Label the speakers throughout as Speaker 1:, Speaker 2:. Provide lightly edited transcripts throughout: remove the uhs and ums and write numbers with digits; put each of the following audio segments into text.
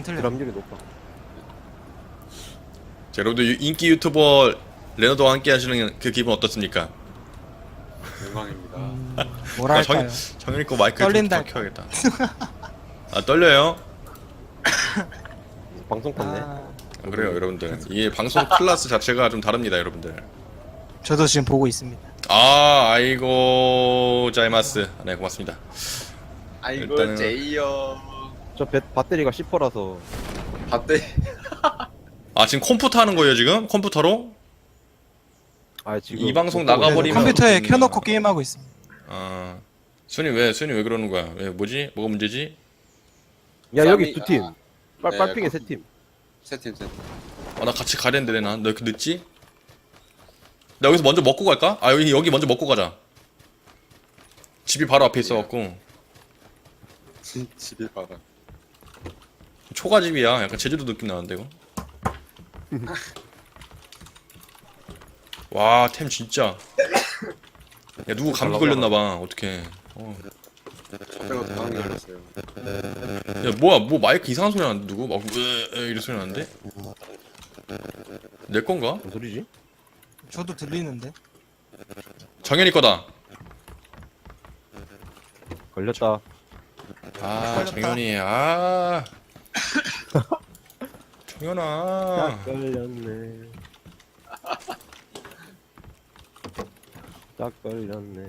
Speaker 1: 틀려.
Speaker 2: 드랍률이 높아.
Speaker 3: 자, 여러분들 인기 유튜버 레너드와 함께 하시는 그 기분 어떻습니까?
Speaker 4: 영광입니다.
Speaker 1: 뭐랄까요.
Speaker 3: 정현이 거 마이크
Speaker 1: 떨린다.
Speaker 3: 좀 켜야겠다. 아, 떨려요?
Speaker 2: 방송 탔네.
Speaker 1: 아,
Speaker 3: 그래요, 여러분들. 이 방송 클래스 자체가 좀 다릅니다, 여러분들.
Speaker 1: 저도 지금 보고 있습니다.
Speaker 3: 아, 아이고 자이마스. 네, 고맙습니다.
Speaker 4: 아이고
Speaker 3: 일단은-
Speaker 4: 제이요.
Speaker 2: 저 배터리가 10%라서
Speaker 4: 봤대.
Speaker 3: 아, 지금 컴퓨터 하는 거예요, 지금? 컴퓨터로?
Speaker 2: 지금
Speaker 3: 이 방송
Speaker 2: 못 보고
Speaker 3: 나가버리면-
Speaker 2: 있어서
Speaker 1: 컴퓨터에
Speaker 3: 그렇군요.
Speaker 1: 켜놓고 게임하고 있습니다.
Speaker 3: 아, 순이 왜 그러는 거야? 왜 뭐지? 뭐가 문제지?
Speaker 2: 야 여기
Speaker 4: 쌈이-
Speaker 2: 두 팀.
Speaker 4: 네,
Speaker 2: 빨핑에 세 팀.
Speaker 4: 세팀.
Speaker 3: 아, 나 같이 가야 되는데 나 이렇게 늦지? 나 여기서 먼저 먹고 갈까? 아, 여기 먼저 먹고 가자. 집이 바로 앞에 있어갖고
Speaker 4: 집이 봐라.
Speaker 3: 초가집이야. 약간 제주도 느낌 나는데 이거. 와, 템 진짜. 야, 누구 감기 걸렸나봐. 어떡해.
Speaker 4: 저거 당황이 걸렸어요.
Speaker 3: 야, 뭐야, 뭐 마이크 이상한 소리 나는데 누구? 막 이런 소리 나는데? 내 건가?
Speaker 2: 무슨 소리지?
Speaker 1: 저도 들리는데.
Speaker 3: 정현이 거다.
Speaker 2: 걸렸다.
Speaker 3: 아, 정현이. 아. 정현아.
Speaker 2: 걸렸네. 딱 걸렸네.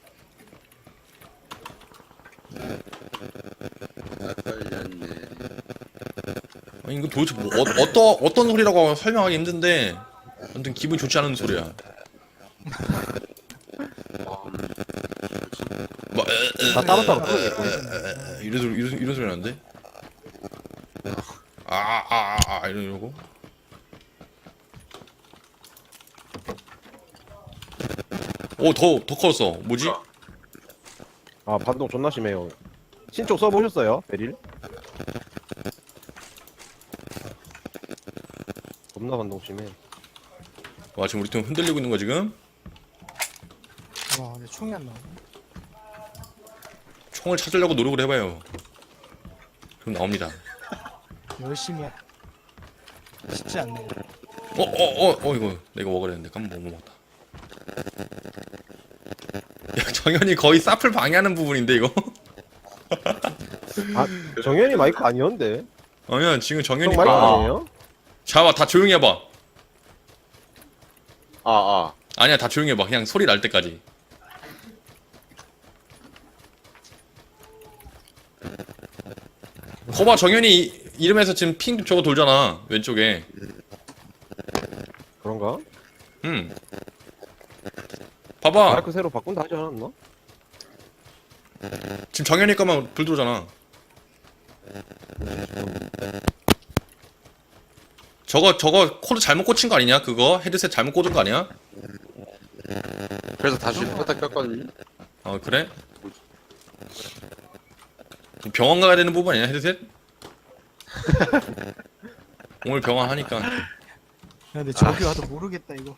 Speaker 4: 걸렸네.
Speaker 3: 아니, 이거 도대체 뭐 어떤 소리라고 설명하기 힘든데 아무튼 기분 좋지 않은 소리야. 뭐
Speaker 2: 다 따로따로 부르겠고.
Speaker 3: 이런 소리 나는데? 이러고. 오, 더 커졌어. 뭐지?
Speaker 2: 반동 존나 심해요. 신쪽 써보셨어요? 베릴? 겁나 반동 심해.
Speaker 3: 와, 지금 우리 팀 흔들리고 있는 거 지금?
Speaker 1: 와, 근데 총이 안 나오네.
Speaker 3: 총을 찾으려고 노력을 해봐요. 그럼 나옵니다.
Speaker 1: 열심히 쉽지 않네.
Speaker 3: 이거 내가 먹어야 되는데 깜빡 못 먹었다. 야, 정현이 거의 사플 방해하는 부분인데 이거?
Speaker 2: 정현이 마이크 아니었는데?
Speaker 3: 아니야, 지금
Speaker 2: 형
Speaker 3: 정현이
Speaker 2: 마이크
Speaker 3: 거.
Speaker 2: 아니에요?
Speaker 3: 잡아, 다 조용히 해봐.
Speaker 4: 아.
Speaker 3: 아니야, 다 조용히 해봐. 그냥 소리 날 때까지. 거봐, 정현이 이름에서 지금 핑 저거 돌잖아, 왼쪽에.
Speaker 2: 그런가?
Speaker 3: 봐봐,
Speaker 2: 마이크 새로 바꾼다 하지 않았나?
Speaker 3: 지금 정현이 거만 불 들어오잖아. 저거 코드 잘못 꽂힌 거 아니냐? 그거 헤드셋 잘못 꽂은 거 아니야?
Speaker 4: 그래서 다시 포타 꼈거든요.
Speaker 3: 그래? 병원 가야 되는 부분 아니야, 헤드셋? 오늘 병원 하니까.
Speaker 1: 야, 근데 저기 와도 모르겠다 이거.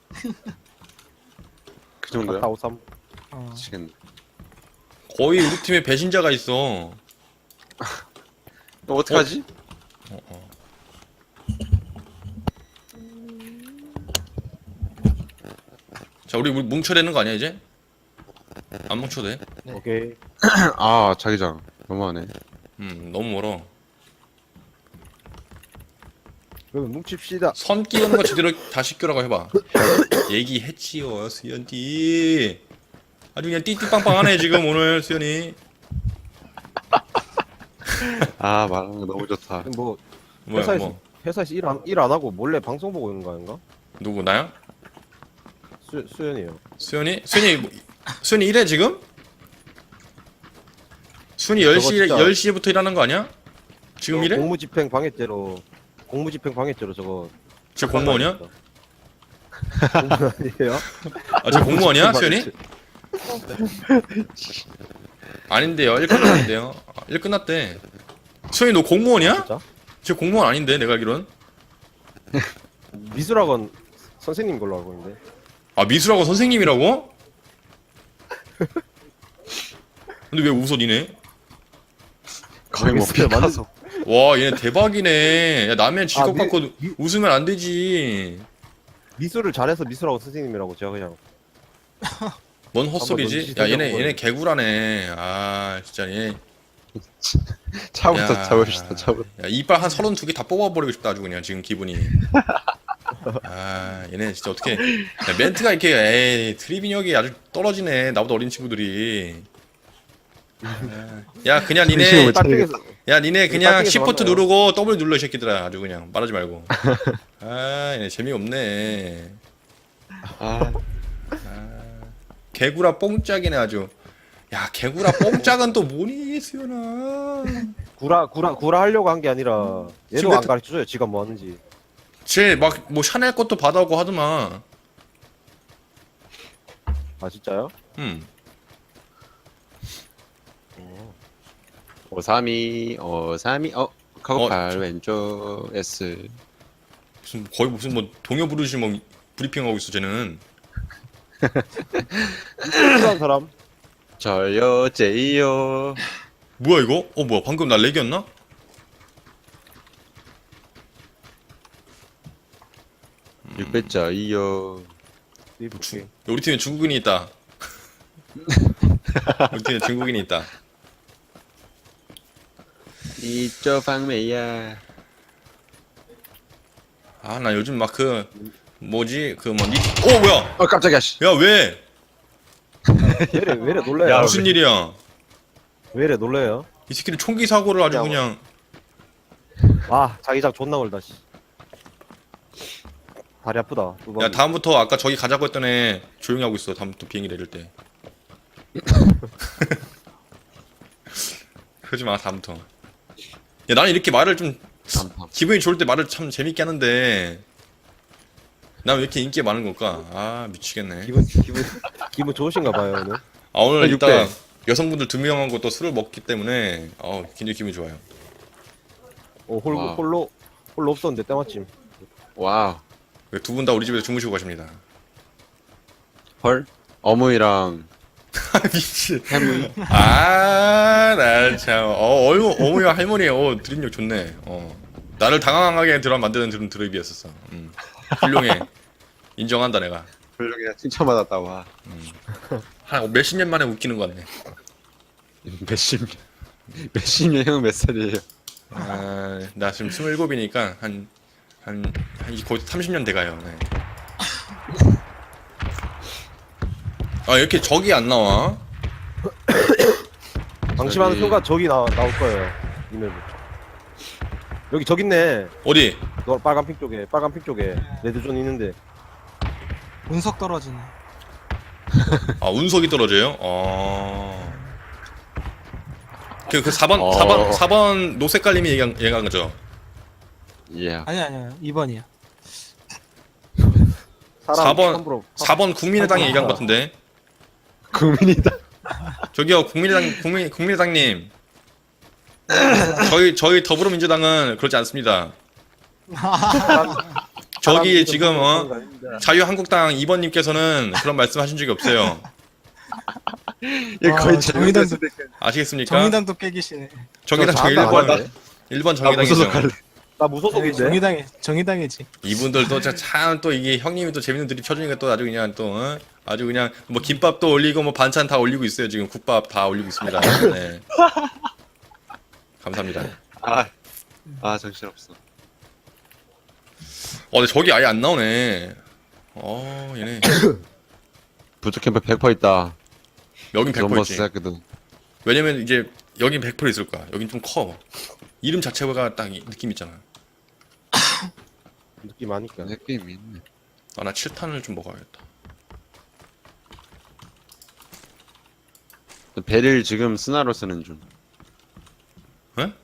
Speaker 4: 그 정도야?
Speaker 2: 453.
Speaker 4: 미치겠네.
Speaker 3: 거의 우리 팀에 배신자가 있어.
Speaker 4: 너 어떡하지?
Speaker 3: 자, 우리 뭉쳐야 되는 거 아니야, 이제? 안 뭉쳐도 돼?
Speaker 2: 오케이.
Speaker 4: 아, 자기장. 너무하네.
Speaker 3: 너무 멀어.
Speaker 2: 그러면 뭉칩시다.
Speaker 3: 선 끼우는 거 제대로 다시 끼우라고 해봐. 얘기했지요, 수연이. 아주 그냥 띠띠빵빵하네, 지금 오늘, 수연이.
Speaker 4: 아, 말하는 거 너무 좋다.
Speaker 2: 뭐
Speaker 3: 뭐야,
Speaker 2: 회사에서-
Speaker 3: 뭐.
Speaker 2: 회사에서 일 안 하고 몰래 방송 보고 있는 거 아닌가?
Speaker 3: 누구, 나야?
Speaker 2: 수연이에요.
Speaker 3: 수연이? 수연이 일해, 지금? 수연이
Speaker 2: 저거
Speaker 3: 10시,
Speaker 2: 진짜-
Speaker 3: 10시부터 일하는 거 아니야? 지금 일해?
Speaker 2: 공무집행 방해죄로 저거
Speaker 3: 지금 공무원이야?
Speaker 2: 공무원 아니에요?
Speaker 3: 아, 저 공무원이야, 수연이? 아닌데요, 일 끝났는데요. 일 끝났대. 수연이 너 공무원이야?
Speaker 2: 진짜?
Speaker 3: 저 공무원 아닌데, 내가 알기론.
Speaker 2: 미술학원 선생님 걸로 알고 있는데.
Speaker 3: 아, 미술학원 선생님이라고? 근데 왜 웃어, 니네?
Speaker 4: 거의 뭐
Speaker 2: 모르겠어요.
Speaker 4: 피카소.
Speaker 3: 와 얘네 대박이네. 야 남의 직업
Speaker 2: 미-
Speaker 3: 갖고
Speaker 2: 미-
Speaker 3: 웃으면 안 되지.
Speaker 2: 미술을 잘해서 미술하고 선생님이라고 제가 그냥
Speaker 3: 뭔
Speaker 2: 한번
Speaker 3: 헛소리지?
Speaker 2: 눈치
Speaker 3: 야 얘네
Speaker 2: 살펴보고
Speaker 3: 얘네 개구라네. 아 진짜 얘.
Speaker 4: 차부터
Speaker 3: 야,
Speaker 4: 잡읍시다 차부터.
Speaker 3: 야 이빨 한 32개 다 뽑아버리고 싶다 아주 그냥 지금 기분이. 아 얘네 진짜 어떻게 야, 멘트가 이렇게 에이 트리비력이 아주 떨어지네. 나보다 어린 친구들이. 아, 야 그냥 니네
Speaker 2: 딱딱해서
Speaker 3: 야 니네 그냥
Speaker 2: 딱딱해서
Speaker 3: 시프트
Speaker 2: 만나요.
Speaker 3: 누르고 W 눌러 이 새끼들아. 아주 그냥 말하지 말고. 아 얘네 재미없네.
Speaker 4: 아
Speaker 3: 개구라 뽕짝이네 아주. 야 개구라 뽕짝은 또 뭐니 수연아.
Speaker 2: 구라 하려고 한 게 아니라 얘도
Speaker 3: 지금
Speaker 2: 안 가르쳐줘요 지가 뭐 하는지.
Speaker 3: 쟤 막 뭐 샤넬 것도 받아오고 하더만.
Speaker 2: 아 진짜요?
Speaker 4: 오삼이 카고팔 왼쪽 S.
Speaker 3: 무슨 거의 무슨 뭐 동요 부르시 뭐 브리핑하고 있어 쟤는.
Speaker 2: 필요한 사람
Speaker 4: 저요 제이요.
Speaker 3: 뭐야 이거? 뭐야 방금 나 렉이었나?
Speaker 4: 육배자이요.
Speaker 2: 리프팅.
Speaker 3: 우리 팀에 중국인이 있다. 우리 팀에 중국인이 있다.
Speaker 4: 이저 방매야.
Speaker 3: 아 나 요즘 막 그 뭐지 그 뭐 뭐야?
Speaker 4: 깜짝이야 씨.
Speaker 3: 야 왜?
Speaker 2: 왜래 놀래요?
Speaker 4: 야,
Speaker 3: 무슨 일이야?
Speaker 2: 왜래 놀래요?
Speaker 3: 이 새끼는 총기 사고를 아주
Speaker 2: 야,
Speaker 3: 그냥.
Speaker 2: 아 자기장 존나 멀다 씨. 다리 아프다.
Speaker 3: 야 다음부터 아까 저기 가자고 했던 애 조용히 하고 있어. 다음부터 비행기 내릴 때. 그러지 마 다음부터. 야 나는 이렇게 말을 좀 기분이 좋을 때 말을 참 재밌게 하는데 난 왜 이렇게 인기가 많은 걸까? 아 미치겠네.
Speaker 2: 기분 좋으신가 봐요 오늘.
Speaker 3: 아 오늘
Speaker 4: 육
Speaker 3: 이따가
Speaker 4: 배.
Speaker 3: 여성분들 2명하고 또 술을 먹기 때문에 굉장히 기분이 좋아요.
Speaker 4: 와우.
Speaker 2: 홀로 없었는데 때마침.
Speaker 4: 와우.
Speaker 3: 두 분 다 우리 집에서 주무시고 가십니다.
Speaker 4: 헐. 어머니랑
Speaker 3: 미치.
Speaker 4: 해무이.
Speaker 3: 나 참. 어머니와 할머니 드립력 좋네. 나를 당황하게 만드는 드립이었었어. 훌륭해. 인정한다 내가.
Speaker 4: 훌륭해. 칭찬받았다 와.
Speaker 3: 한 몇십 년 만에 웃기는 거 같네.
Speaker 4: 몇십 년 형 몇 살이에요?
Speaker 3: 나 지금 27이니까 한 거의 30년 돼가요. 네. 이렇게 적이 안 나와?
Speaker 2: 방심하는
Speaker 4: 저기-
Speaker 2: 순간 적이 나올 거예요. 이메일. 여기 적 있네.
Speaker 3: 어디?
Speaker 2: 너 빨간 핑 쪽에 레드존 있는데.
Speaker 1: 운석 떨어지네.
Speaker 3: 운석이 떨어져요? 그 4번 노색깔님이 얘기한 거죠?
Speaker 4: 예.
Speaker 1: 아니야 2번이야.
Speaker 2: 사람
Speaker 3: 4번
Speaker 2: 함부로
Speaker 3: 4번 국민의당이 얘기한 것 같은데.
Speaker 4: 국민이다.
Speaker 3: 저기요 국민의당님. 저희 더불어민주당은 그렇지 않습니다. 저기 지금 자유한국당 2번님께서는 그런 말씀하신 적이 없어요.
Speaker 4: 얘 거의
Speaker 1: 정의당도
Speaker 3: 아시겠습니까?
Speaker 1: 정의당도 깨기시네.
Speaker 3: 정의당 저
Speaker 2: 저
Speaker 3: 1번
Speaker 4: 무소속
Speaker 3: 정의당이죠.
Speaker 4: 할래.
Speaker 2: 나 무소속인데.
Speaker 1: 정의당이지.
Speaker 3: 이분들도 참 또 이게 형님이 또 재밌는 드립 쳐주니까 또 아주 그냥 또 아주 그냥 뭐 김밥도 올리고 뭐 반찬 다 올리고 있어요. 지금 국밥 다 올리고 있습니다. 네. 감사합니다.
Speaker 4: 정신없어.
Speaker 3: 근데 저기 아예 안 나오네. 얘네
Speaker 4: 부트캠프 100% 있다.
Speaker 3: 여긴 100%
Speaker 4: 존버스
Speaker 3: 있지.
Speaker 4: 했거든.
Speaker 3: 왜냐면 이제 여긴 100% 있을 거야. 여긴 좀 커. 이름 자체가 딱 느낌 있잖아.
Speaker 2: 느낌 아니까.
Speaker 4: 느낌이 있네.
Speaker 3: 나 7탄을 좀 먹어야겠다.
Speaker 4: 베릴 지금 스나로 쓰는 중.
Speaker 3: 에?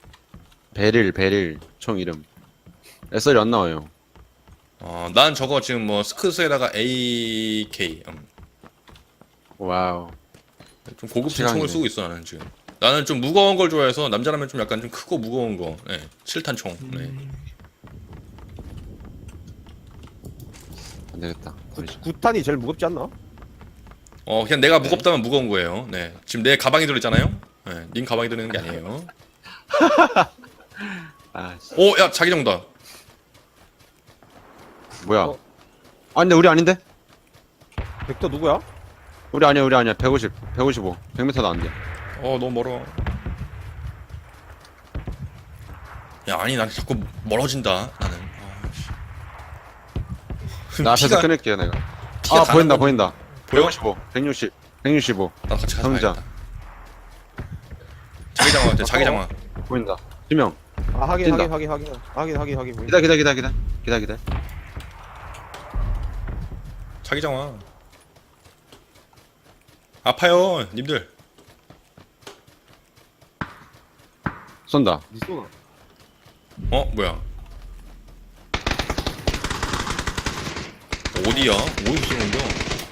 Speaker 4: 베릴 총 이름. SR이 안 나와요.
Speaker 3: 난 저거 지금 뭐 스크스에다가 AK
Speaker 4: 와우.
Speaker 3: 좀 고급진
Speaker 4: 시간이네.
Speaker 3: 총을 쓰고 있어 나는 지금. 나는 좀 무거운 걸 좋아해서 남자라면 좀 약간 좀 크고 무거운 거. 네. 7탄 총. 네.
Speaker 4: 안 되겠다.
Speaker 2: 9탄이 제일 무겁지 않나?
Speaker 3: 그냥 내가 무겁다면 무거운 거예요. 네. 지금 내 가방에 들어있잖아요. 네. 님 가방에 들어있는 게 아니에요.
Speaker 4: 아씨
Speaker 3: 오, 야, 자기장다.
Speaker 4: 뭐야?
Speaker 2: 어.
Speaker 4: 아 근데 우리 아닌데?
Speaker 2: 벡터 누구야?
Speaker 4: 우리 아니야 150 155 100m도 안돼.
Speaker 3: 너무 멀어. 야, 아니, 난 자꾸 멀어진다, 나는.
Speaker 4: 나 앞에서
Speaker 3: 피가-
Speaker 4: 끊을게요 내가.
Speaker 3: 피가
Speaker 4: 아
Speaker 3: 가는
Speaker 4: 보인다
Speaker 3: 건-
Speaker 4: 보인다.
Speaker 3: 보여?
Speaker 4: 155 160 165
Speaker 3: 나 같이 가서
Speaker 4: 상자.
Speaker 3: 봐야겠다. 자기장화 같아, 자기장화.
Speaker 4: 보인다. 2명.
Speaker 2: 아 확인
Speaker 4: 뛴다.
Speaker 2: 확인.
Speaker 4: 기다.
Speaker 3: 자기장화. 아파요, 님들.
Speaker 4: 쏜다.
Speaker 2: 니 쏘나?
Speaker 3: 뭐야? 어디야? 어디서 쏘는 거야?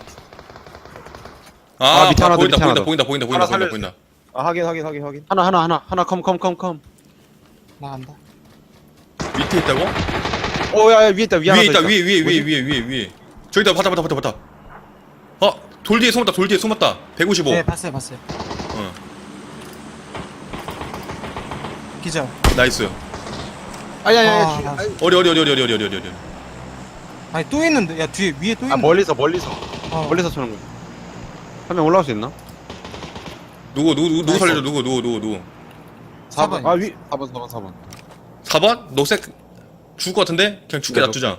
Speaker 4: 아, 밑에 하나 더, 밑에 하나 더.
Speaker 3: 보인다.
Speaker 2: 아 확인.
Speaker 4: 하나 컴.
Speaker 1: 나간다.
Speaker 3: 밑에 있다고?
Speaker 4: 오야 위에 있다. 위에 하나
Speaker 3: 위에
Speaker 4: 더
Speaker 3: 있다. 위에. 저기다 봤다. 돌 뒤에 숨었다. 155.
Speaker 1: 네, 봤어요.
Speaker 3: 어,
Speaker 1: 기절.
Speaker 3: 나이스.
Speaker 4: 아야야.
Speaker 1: 아,
Speaker 3: 어리.
Speaker 1: 아니 또 있는데. 야 뒤에 위에 또
Speaker 4: 아
Speaker 1: 있는데.
Speaker 4: 멀리서
Speaker 1: 어.
Speaker 4: 멀리서 쏘는 거. 한 명 올라올 수 있나?
Speaker 3: 누구
Speaker 1: 나이스.
Speaker 3: 살려줘? 누구?
Speaker 1: 4번.
Speaker 2: 아 위.
Speaker 4: 4번.
Speaker 3: 4번? 녹색 죽을 것 같은데? 그냥 죽게
Speaker 4: 네,
Speaker 3: 놔두자.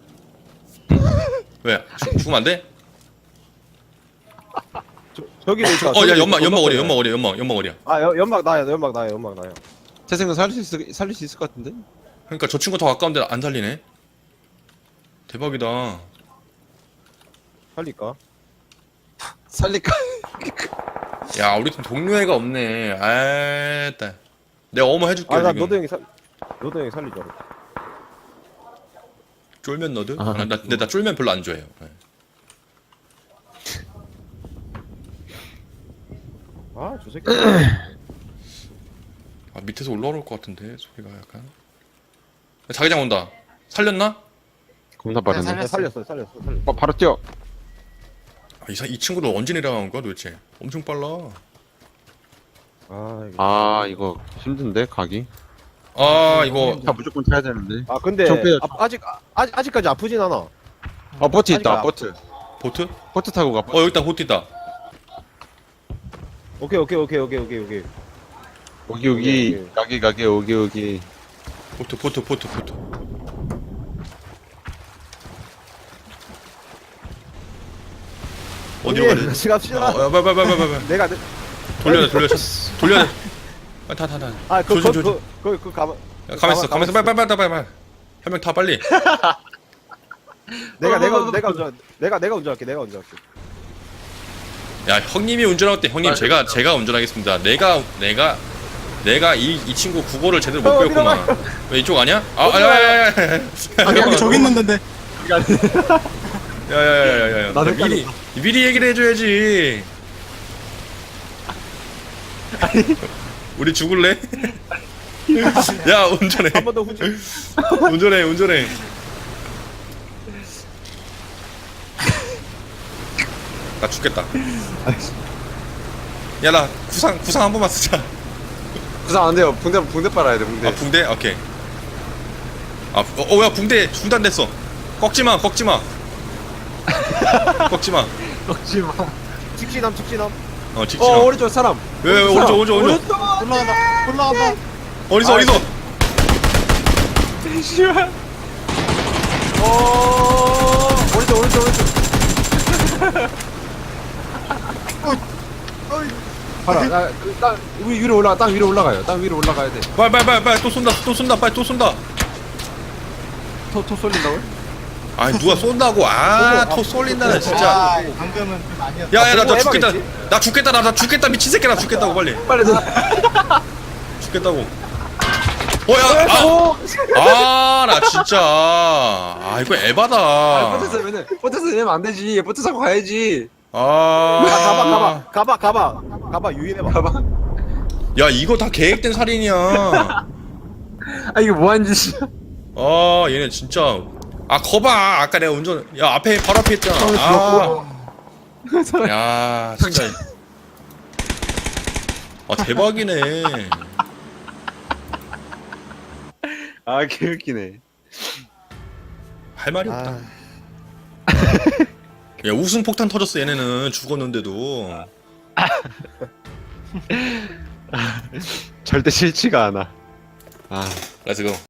Speaker 3: 왜? 죽으면 안 돼?
Speaker 2: 저기 있어.
Speaker 3: 야, 연막 어리야.
Speaker 2: 아 연막 나야.
Speaker 4: 태생은 살릴 수 있을 것 같은데?
Speaker 3: 그러니까 저 친구 더 가까운데 안 살리네. 대박이다.
Speaker 2: 살릴까?
Speaker 4: 살릴까?
Speaker 3: 야, 우리 팀 동료애가 없네. 아따. 내가 어머 해줄게.
Speaker 2: 아나
Speaker 3: 지금.
Speaker 2: 너도 형이 살리자.
Speaker 3: 쫄면 너드?
Speaker 4: 아.
Speaker 3: 근데 나 쫄면 별로 안 좋아해요. 네.
Speaker 2: 아저 새끼.
Speaker 3: 밑에서 올라올 것 같은데 소리가 약간. 자기장 온다. 살렸나?
Speaker 4: 겁나 빠르네.
Speaker 1: 네,
Speaker 2: 살렸어.
Speaker 4: 바로 뛰어.
Speaker 3: 이 친구들 언제 내려간 거야 도대체? 엄청 빨라.
Speaker 2: 아
Speaker 4: 아 이거 힘든데 가기.
Speaker 3: 이거
Speaker 4: 차 무조건 타야 되는데.
Speaker 2: 근데
Speaker 4: 좀 빼요.
Speaker 2: 아직까지 아프진 않아.
Speaker 4: 보트 있다.
Speaker 2: 아니까.
Speaker 3: 보트?
Speaker 4: 보트 타고 가.
Speaker 3: 여기 있다. 보트 있다.
Speaker 2: 오케이.
Speaker 4: 오기 가기 오기.
Speaker 3: 보트. 어디로 가야 돼?
Speaker 2: 같이 갑시다.
Speaker 3: 빨리.
Speaker 2: 내가
Speaker 3: 돌려야 돼. 타. 조심.
Speaker 2: 그 가만.
Speaker 3: 가만 있어. 빨리. 한 명 타 빨리.
Speaker 2: 내가 운전할게.
Speaker 3: 야, 형님이 운전할 때 형님 제가 운전하겠습니다. 내가 이 친구 국어를 제대로 못 배웠구만. 왜 이쪽 아니야? 야.
Speaker 1: 여기 저기 있는데.
Speaker 3: 야야야야야.
Speaker 4: 나도
Speaker 3: 미리 얘기를 해줘야지. 우리 죽을래? 야, 운전해.
Speaker 2: 한 번 더 후진.
Speaker 3: 운전해. 나 죽겠다. 야, 나 구상 한 번만 쓰자.
Speaker 4: 부상 안 돼요. 붕대 빨아야 돼. 붕대.
Speaker 3: 붕대? 오케이. 야, 붕대 중단됐어. 꺾지 마.
Speaker 2: 직진함.
Speaker 3: 직진아.
Speaker 4: 오른쪽 사람.
Speaker 3: 왜 오른쪽.
Speaker 1: 올라간다.
Speaker 3: 어디서?
Speaker 2: 오른쪽.
Speaker 4: 봐라. 땅 위로 올라가. 땅 위로 올라가요. 땅 위로 올라가야 돼.
Speaker 3: 빨리 또 쏜다. 빨리 또 쏜다.
Speaker 4: 토 쏠린다고요?
Speaker 3: 아, 누가 쏜다고. 토 쏠린다는 진짜.
Speaker 1: 아, 방금은 좀 아니었다.
Speaker 3: 야, 나
Speaker 2: 보고
Speaker 3: 죽겠다.
Speaker 2: 해봐야지.
Speaker 3: 나 죽겠다. 미친 새끼 나 죽겠다고 빨리.
Speaker 4: 빨리 들
Speaker 3: 죽겠다고. 나 진짜. 이거 에바다.
Speaker 4: 버트에서 내면 안 되지. 버트 사고 가야지.
Speaker 2: 가봐 유인해봐.
Speaker 4: 가봐.
Speaker 3: 야, 이거 다 계획된 살인이야.
Speaker 4: 아 이게 뭐하는 짓이야?
Speaker 3: 얘네 진짜. 거봐. 아까 내가 야, 바로 앞에 있잖아. 야, 진짜. 대박이네.
Speaker 4: 아 개웃기네.
Speaker 3: 할 말이 없다.
Speaker 2: 아,
Speaker 3: 야 우승 폭탄 터졌어 얘네는 죽었는데도.
Speaker 4: 절대 싫지가 않아. 아.
Speaker 3: 렛츠고.